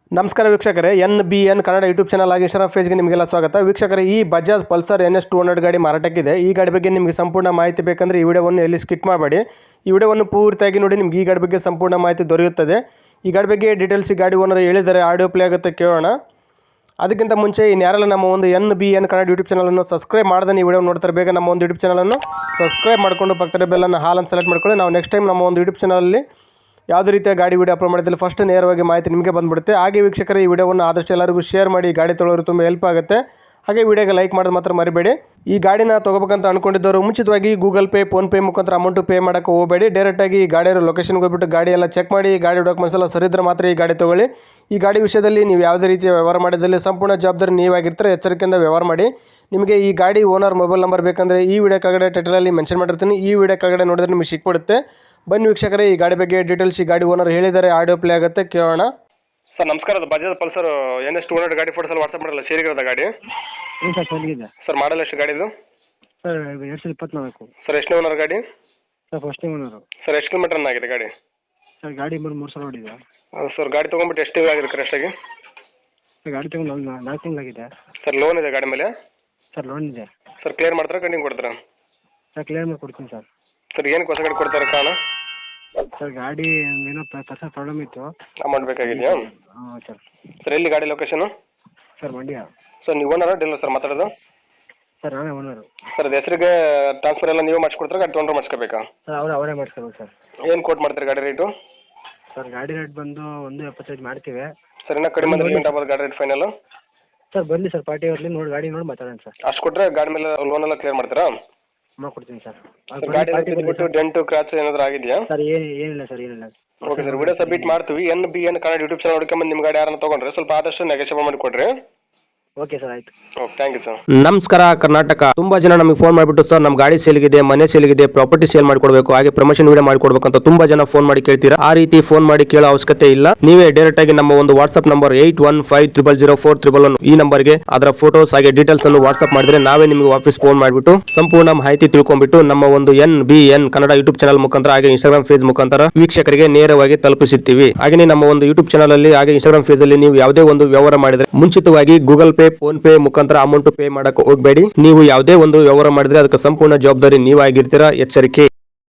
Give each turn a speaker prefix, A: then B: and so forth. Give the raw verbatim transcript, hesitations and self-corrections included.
A: ನಮಸ್ಕಾರ ವೀಕ್ಷಕರೇ, N B N Kannada YouTube channel ಆಗಿ ಇನ್ಸ್ಟಾಗ್ರಾಮ್ ಪೇಜ್ಗೆ ನಿಮಗೆಲ್ಲ ಸ್ವಾಗತ. ವೀಕ್ಷಕರೇ, ಈ Bajaj Pulsar N S two hundred ಗಾಡಿ ಮಾರಾಟಕ್ಕಿದೆ. ಈ ಗಾಡಿ ಬಗ್ಗೆ ನಿಮಗೆ ಸಂಪೂರ್ಣ ಮಾಹಿತಿ ಬೇಕಂದರೆ ಈ ವಿಡಿಯೋವನ್ನು ಎಲ್ಲಿ ಸ್ಕಿಪ್ ಮಾಡಬೇಡಿ. ಈ ವಿಡಿಯೋವನ್ನು ಪೂರ್ತಿಯಾಗಿ ನೋಡಿ, ನಿಮ್ಗೆ ಈ ಗಾಡಿ ಬಗ್ಗೆ ಸಂಪೂರ್ಣ ಮಾಹಿತಿ ದೊರೆಯುತ್ತದೆ. ಈ ಗಾಡಿ ಬಗ್ಗೆ ಡೀಟೇಲ್ಸ್ ಈ ಗಾಡಿ ಓನರ್ ಹೇಳಿದರೆ ಆಡಿಯೋ ಪ್ಲೇ ಆಗುತ್ತೆ, ಕೇಳೋಣ. ಅದಕ್ಕಿಂತ ಮುಂಚೆ ಇನ್ಯಾರೆಲ್ಲ ನಮ್ಮ ಒಂದು N B N Kannada YouTube ಚಾನಲನ್ನು ಸಬ್ಸ್ಕ್ರೈಬ್ ಮಾಡದೆ ಈ ವಿಡಿಯೋ ನೋಡ್ತಾರೆ, ಬೇಗ ನಮ್ಮ ಒಂದು ಯೂಟ್ಯೂಬ್ ಚಾನಲನ್ನು ಸಬ್ಸ್ಕ್ರೈಬ್ ಮಾಡಿಕೊಂಡು ಪಕ್ಕದ ಬೆಲ್ಲನ್ನು ಹಾಲನ್ನು ಸೆಲೆಕ್ಟ್ ಮಾಡ್ಕೊಳ್ಳಿ. ನಾವು ನೆಕ್ಸ್ಟ್ ಟೈಮ್ ನಮ್ಮ ಒಂದು ಯೂಟ್ಯೂಬ್ ಚಾನಲಲ್ಲಿ ಯಾವುದೇ ರೀತಿಯ ಗಾಡಿ ವಿಡಿಯೋ ಅಪ್ಲೋಡ್ ಮಾಡಿದಲ್ಲಿ ಫಸ್ಟ್ ನೇರವಾಗಿ ಮಾಹಿತಿ ನಿಮಗೆ ಬಂದುಬಿಡುತ್ತೆ. ಹಾಗೆ ವೀಕ್ಷಕರೇ, ಈ ವಿಡಿಯೋವನ್ನು ಆದಷ್ಟು ಎಲ್ಲರಿಗೂ ಶೇರ್ ಮಾಡಿ, ಗಾಡಿ ತೊಗೊಳ್ಳೋರು ತುಂಬ ಹೆಲ್ಪ್ ಆಗುತ್ತೆ. ಹಾಗೆ ವಿಡಿಯೋಗೆ ಲೈಕ್ ಮಾಡೋದು ಮಾತ್ರ ಮರಿಬೇಡಿ. ಈ ಗಾಡಿನ ತೊಗೋಬೇಕಂತ ಅನ್ಕೊಂಡಿದ್ದವರು ಮುಂಚಿತವಾಗಿ ಗೂಗಲ್ ಪೇ, ಫೋನ್ಪೇ ಮುಖಾಂತರ ಅಮೌಂಟು ಪೇ ಮಾಡೋಕ್ಕೆ ಹೋಗಬೇಡಿ. ಡೈರೆಕ್ಟಾಗಿ ಈ ಗಾಡಿಯ ಲೊಕೇಶನ್ಗೆ ಹೋಗ್ಬಿಟ್ಟು ಗಾಡಿ ಎಲ್ಲ ಚೆಕ್ ಮಾಡಿ, ಗಾಡಿ ಡಾಕ್ಯುಮೆಂಟ್ಸ್ ಎಲ್ಲ ಸರಿದ್ರೆ ಮಾತ್ರ ಈ ಗಾಡಿ ತೊಗೊಳ್ಳಿ. ಈ ಗಾಡಿ ವಿಷಯದಲ್ಲಿ ನೀವು ಯಾವುದೇ ರೀತಿಯ ವ್ಯವಹಾರ ಮಾಡಿದಲ್ಲಿ ಸಂಪೂರ್ಣ ಜವಾಬ್ದಾರಿ ನೀವಾಗಿರ್ತಾರೆ, ಎಚ್ಚರಿಕೆಯಿಂದ ವ್ಯವಹಾರ ಮಾಡಿ. ನಿಮಗೆ ಈ ಗಾಡಿ ಓನರ್ ಮೊಬೈಲ್ ನಂಬರ್ ಬೇಕಂದರೆ ಈ ವಿಡಿಯೋ ಕೆಳಗಡೆ ಟೈಟಲಲ್ಲಿ ಮೆನ್ಷನ್ ಮಾಡಿರ್ತೀನಿ. ಈ ವಿಡಿಯೋ ಕೆಳಗಡೆ ನೋಡಿದ್ರೆ ನಿಮಗೆ ಸಿಕ್ಬಿಡುತ್ತೆ. ಬನ್ನಿ ವೀಕ್ಷಕರೇ, ಈ ಗಾಡಿ ಬಗ್ಗೆ ಡೀಟೇಲ್ಸ್ ಈ ಗಾಡಿ ಓನರ್ ಹೇಳಿದ್ದಾರೆ, ಆಡಿಯೋ ಪ್ಲೇ ಆಗುತ್ತೆ, ಕೇಳೋಣ. ಸರ್ ನಮಸ್ಕಾರ, ಅದು Bajaj Pulsar N S two hundred ಗಾಡಿ ಫೋಟೋಸಲ್ಲಿ ವಾಟ್ಸಪ್ ಮಾಡಲ್ಲ, ಸೇರಿಗಿರೋದ ಗಾಡಿ
B: ಹ್ಞೂ ಸರ್, ಚೆನ್ನಾಗಿದೆ
A: ಸರ್. ಮಾಡಲ್ ಎಷ್ಟು ಗಾಡಿದು
B: ಸರ್? ಎರಡು ಸಾವಿರದ ಇಪ್ಪತ್ನಾಲ್ಕು
A: ಸರ್. ಎಷ್ಟನೇ ಓನರ್ ಗಾಡಿ
B: ಸರ್? ಫಸ್ಟ್ನೇ ಓನರು
A: ಸರ್. ಎಷ್ಟು ಕಿಲೋಮೀಟರ್ ರನ್ ಆಗಿದೆ ಗಾಡಿ
B: ಸರ್? ಗಾಡಿ ಬಂದು ಮೂರು ಸಾವಿರ ಹೊಡಿದೆ
A: ಸರ್. ಗಾಡಿ ತೊಗೊಂಡ್ಬಿಟ್ಟು ಎಷ್ಟು ತಿಂಗಳು ಆಗಿದೆ ಕರೆಕ್ಟಾಗಿ
B: ಸರ್? ಗಾಡಿ ತೊಗೊಂಡು ನಾಲ್ಕು ನಾಲ್ಕು ತಿಂಗಳಾಗಿದೆ
A: ಸರ್. ಲೋನ್ ಇದೆ ಗಾಡಿ ಮೇಲೆ
B: ಸರ್? ಲೋನ್ ಇದೆ
A: ಸರ್. ಕ್ಲಿಯರ್ ಮಾಡ್ತಾರೆ, ಕಂಟಿನ್ಯೂ ಕೊಡ್ತಾರಾ
B: ಸರ್? ಕ್ಲಿಯರ್ ಮಾಡಿ ಕೊಡ್ತೀನಿ ಸರ್.
A: ಸರ್ ಏನಕ್ಕೆ ಹೊಸ ಗಾಡಿ ಕೊಡ್ತಾರೆ ಕಾರಣ?
B: ಸರ್ ಗಾಡಿ ಏನೋ ಪರ್ಸನಲ್ ಪ್ರಾಬ್ಲಮ್ ಇತ್ತು,
A: ಅಮೌಂಟ್ ಬೇಕಾಗಿದೆಯಾ?
B: ಹಾಂ ಸರ್.
A: ಸರ್ ಎಲ್ಲಿ ಗಾಡಿ ಲೊಕೇಶನು?
B: ಸರ್ ಮಂಡ್ಯ.
A: ಸರ್ ನೀವು ಓನರ ಡೀಲರ್ ಸರ್ ಮಾತಾಡೋದು?
B: ಸರ್ ನಾನೇ ಓನರು.
A: ಸರ್ ಅದು ಹೆಸರಿಗೆ ಟ್ರಾನ್ಸ್ಫರ್ ಎಲ್ಲ ನೀವು ಮಾಡಿಸ್ಕೊಡ್ತಾರೆ, ಗಾಡಿ ತೊಗೊಂಡ್ರೆ ಮಾಡಿಸ್ಕೋಬೇಕಾ?
B: ಸರ್ ಅವರೇ ಅವರೇ ಮಾಡಿಸ್ಕೋಬೇಕು ಸರ್.
A: ಏನು ಕೋಟ್ ಮಾಡ್ತೀರಿ ಗಾಡಿ ರೇಟು?
B: ಸರ್ ಗಾಡಿ ರೇಟ್ ಬಂದು ಒಂದು ಎಪ್ಪತ್ತೈದು ಮಾಡ್ತೀವಿ
A: ಸರ್. ಇನ್ನೂ ಕಡಿಮೆ ಅಂದ್ರೆ ಗಂಟೆ ಆಗ್ಬೋದು ಗಾಡಿ ರೇಟ್ ಫೈನಲ್?
B: ಸರ್ ಬನ್ನಿ ಸರ್, ಪಾರ್ಟಿ ಅವ್ರಲ್ಲಿ ನೋಡಿ ಗಾಡಿ ನೋಡಿ ಮಾತಾಡೋಣ ಸರ್.
A: ಅಷ್ಟು ಕೊಟ್ಟರೆ ಗಾಡಿ ಮೇಲೆ ಲೋನ್ ಎಲ್ಲ ಕ್ಲಿಯರ್ ಮಾಡ್ತೀರಾ?
B: ಮಾಡ್ಕೊಡ್ತೀನಿ ಸರ್.
A: ಗಾಡಿ ಬಿಟ್ಟು ಡೆಂಟು ಕ್ರಾಚ್ ಏನಾದರೂ ಆಗಿದೆಯಾ?
B: ಸರ್ ಏನು ಏನಿಲ್ಲ ಸರ್, ಏನಿಲ್ಲ.
A: ಓಕೆ ಸರ್, ವಿಡಿಯೋ ಸಬ್ಮಿಟ್ ಮಾಡ್ತೀವಿ. N B N Kannada YouTube channel ಹುಡ್ಕೊಂಬಂದು ನಿಮ್ಮ ಗಾಡಿ ಯಾರನ್ನ ತೊಗೊಂಡ್ರೆ ಸ್ವಲ್ಪ ಆದಷ್ಟು ನೆಗೋಷಿಯೇಟ್ ಮಾಡಿ ಕೊಡ್ರಿ.
B: ಓಕೆ ಸರ್, ಆಯ್ತು.
A: Okay, thank you sir.
C: ನಮಸ್ಕಾರ ಕರ್ನಾಟಕ. ತುಂಬಾ ಜನ ನಮಗೆ ಫೋನ್ ಮಾಡಿಬಿಟ್ಟು ಸರ್ ನಮ್ಮ ಗಾಡಿ ಸೇಲ್ಗಿದೆ, ಮನೆ ಸೇಲ್ಗಿದೆ, ಪ್ರಾಪರ್ಟಿ ಸೇಲ್ ಮಾಡಿಕೊಡ್ಬೇಕು, ಹಾಗೆ ಪ್ರಮೋಷನ್ ವಿಡಿಯೋ ಮಾಡಿಕೊಡ್ಬೇಕು ಅಂತ ತುಂಬಾ ಜನ ಫೋನ್ ಮಾಡಿ ಕೇಳ್ತೀರಾ. ಆ ರೀತಿ ಫೋನ್ ಮಾಡಿ ಕೇಳೋ ಅವಶ್ಯಕತೆ ಇಲ್ಲ. ನೀವೇ ಡೈರೆಕ್ಟ್ ಆಗಿ ನಮ್ಮ ಒಂದು WhatsApp number eight one five triple zero four triple one ಈ ನಂಬರ್ಗೆ ಅದರ ಫೋಟೋಸ್ ಹಾಗೆ ಡೀಟೇಲ್ಸ್ ಅನ್ನು ವಾಟ್ಸ್ಆಪ್ ಮಾಡಿದ್ರೆ ನಾವೇ ನಿಮಗೆ ವಾಪಸ್ ಫೋನ್ ಮಾಡಿಬಿಟ್ಟು ಸಂಪೂರ್ಣ ಮಾಹಿತಿ ತಿಳ್ಕೊಂಡ್ಬಿಟ್ಟು ನಮ್ಮ ಒಂದು N B N Kannada YouTube channel ಮುಖಾಂತರ ಹಾಗೆ ಇನ್ಸ್ಟಾಗ್ರಾಮ್ ಪೇಜ್ ಮುಖಾಂತರ ವೀಕ್ಷಕರಿಗೆ ನೇರವಾಗಿ ತಲುಪಿಸುತ್ತೀವಿ. ಹಾಗೆ ನಮ್ಮ ಒಂದು ಯೂಟ್ಯೂಬ್ ಚಾನಲ್ ಅಲ್ಲಿ ಹಾಗೆ ಇನ್ಸ್ಟಾಗ್ರಾಮ್ ಪೇಜ್ ಅಲ್ಲಿ ನೀವು ಯಾವುದೇ ಒಂದು ವ್ಯವಹಾರ ಮಾಡಿದ್ರೆ ಮುಂಚಿತವಾಗಿ ಗೂಗಲ್ ಪೇ, ಫೋನ್ ಪೇ ಮುಖಾಂತರ ಅಮೌಂಟ್ ಪೇ ಮಾಡಕ್ಕೆ ಹೋಗಬೇಡಿ. ನೀವು ಯಾವುದೇ ಒಂದು ವ್ಯವಹಾರ ಮಾಡಿದ್ರೆ ಅದಕ್ಕೆ ಸಂಪೂರ್ಣ ಜವಾಬ್ದಾರಿ ನೀವಾಗಿರ್ತೀರಾ, ಎಚ್ಚರಿಕೆ.